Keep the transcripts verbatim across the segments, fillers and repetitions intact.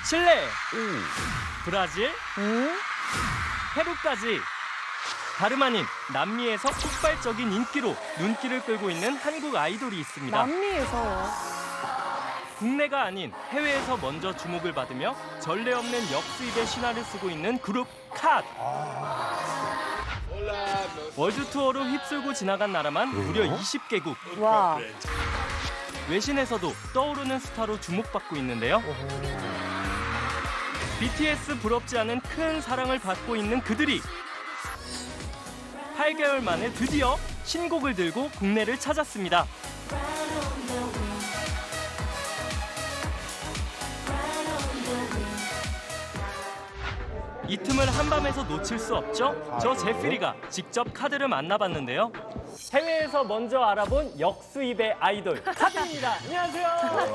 칠레, 음. 브라질, 음? 페루까지 다름 아닌 남미에서 폭발적인 인기로 눈길을 끌고 있는 한국 아이돌이 있습니다. 남미에서요. 국내가 아닌 해외에서 먼저 주목을 받으며 전례 없는 역수입의 신화를 쓰고 있는 그룹 캇. 월드 투어로 휩쓸고 지나간 나라만 무려 이십 개국. 와. 외신에서도 떠오르는 스타로 주목받고 있는데요. 비티에스 부럽지 않은 큰 사랑을 받고 있는 그들이 팔 개월 만에 드디어 신곡을 들고 국내를 찾았습니다. 이 틈을 한밤에서 놓칠 수 없죠? 저 제피리가 직접 카드를 만나봤는데요. 해외에서 먼저 알아본 역수입의 아이돌 카드입니다. 안녕하세요.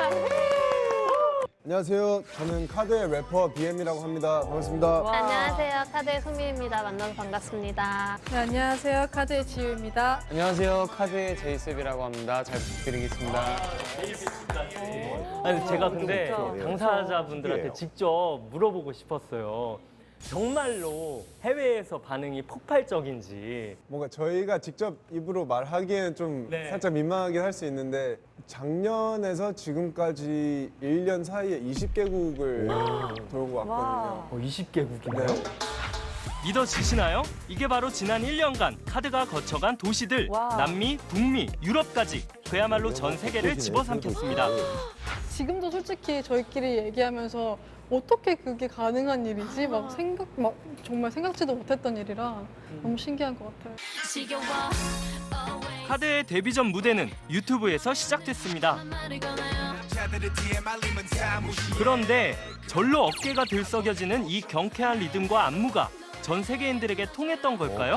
안녕하세요. 저는 카드의 래퍼 비엠이라고 합니다. 반갑습니다. 와. 안녕하세요. 카드의 소미입니다. 만나서 반갑습니다. 네, 안녕하세요. 카드의 지우입니다. 안녕하세요. 카드의 제이셉이라고 합니다. 잘 부탁드리겠습니다. 아니 제가 근데 그렇죠. 당사자분들한테 직접 물어보고 싶었어요. 정말로 해외에서 반응이 폭발적인지. 뭔가 저희가 직접 입으로 말하기에는 좀 네. 살짝 민망하긴 할 수 있는데 작년에서 지금까지 일 년 사이에 이십 개국을 돌고 왔거든요. 어, 이십 개국이나요? 네. 믿어지시나요? 이게 바로 지난 일 년간 카드가 거쳐간 도시들, 와. 남미, 북미, 유럽까지 그야말로 전 세계를 집어삼켰습니다. 지금도 솔직히 저희끼리 얘기하면서 어떻게 그게 가능한 일이지? 막 생각, 막 정말 생각지도 못했던 일이라 너무 신기한 것 같아요. 카드의 데뷔 전 무대는 유튜브에서 시작됐습니다. 그런데 절로 어깨가 들썩여지는 이 경쾌한 리듬과 안무가 전 세계인들에게 통했던 걸까요?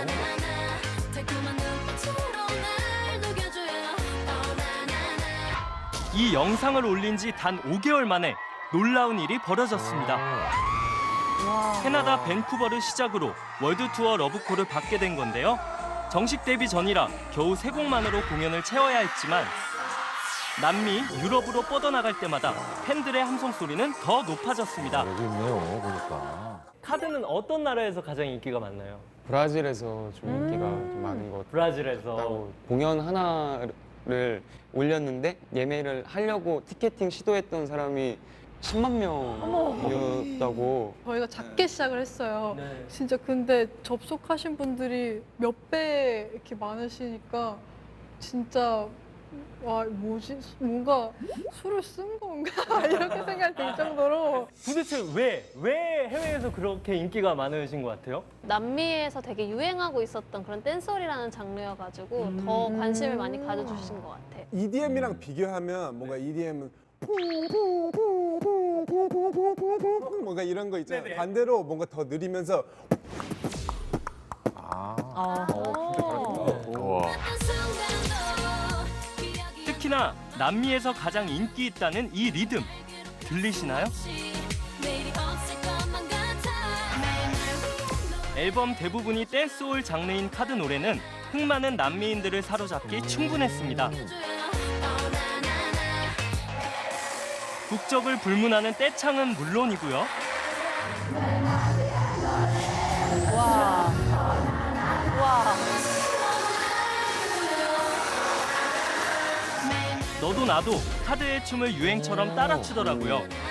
이 영상을 올린 지 단 오 개월 만에 놀라운 일이 벌어졌습니다. 캐나다 밴쿠버를 시작으로 월드 투어 러브콜을 받게 된 건데요. 정식 데뷔 전이라 겨우 세 곡만으로 공연을 채워야 했지만 남미, 유럽으로 뻗어나갈 때마다 팬들의 함성 소리는 더 높아졌습니다. 여기 있네요, 보니까. 카드는 어떤 나라에서 가장 인기가 많나요? 브라질에서 좀 인기가 좀 많은 것 브라질에서. 같다고. 공연 하나를 올렸는데 예매를 하려고 티켓팅 시도했던 사람이 십만 명이었다고. 저희가 작게 시작을 했어요. 네. 진짜 근데 접속하신 분들이 몇 배 이렇게 많으시니까 진짜 와 뭐지? 뭔가 술을 쓴 건가? 이렇게 생각이 들 정도로 도대체 왜, 왜 해외에서 그렇게 인기가 많으신 것 같아요? 남미에서 되게 유행하고 있었던 그런 댄스홀이라는 장르여가지고 더 관심을 많이 가져주신 것 같아요. 이디엠이랑 비교하면 뭔가 이디엠은 퐁퐁퐁퐁퐁퐁퐁퐁퐁 뭔가 이런 거 있잖아요. 네네. 반대로 뭔가 더 느리면서 아, 어. 우와. 특히나 남미에서 가장 인기 있다는 이 리듬 들리시나요? 앨범 대부분이 댄스홀 장르인 카드 노래는 흥 많은 남미인들을 사로잡기 충분했습니다. 국적을 불문하는 떼창은 물론이고요. 와. 와. 너도 나도 카드의 춤을 유행처럼 따라 추더라고요.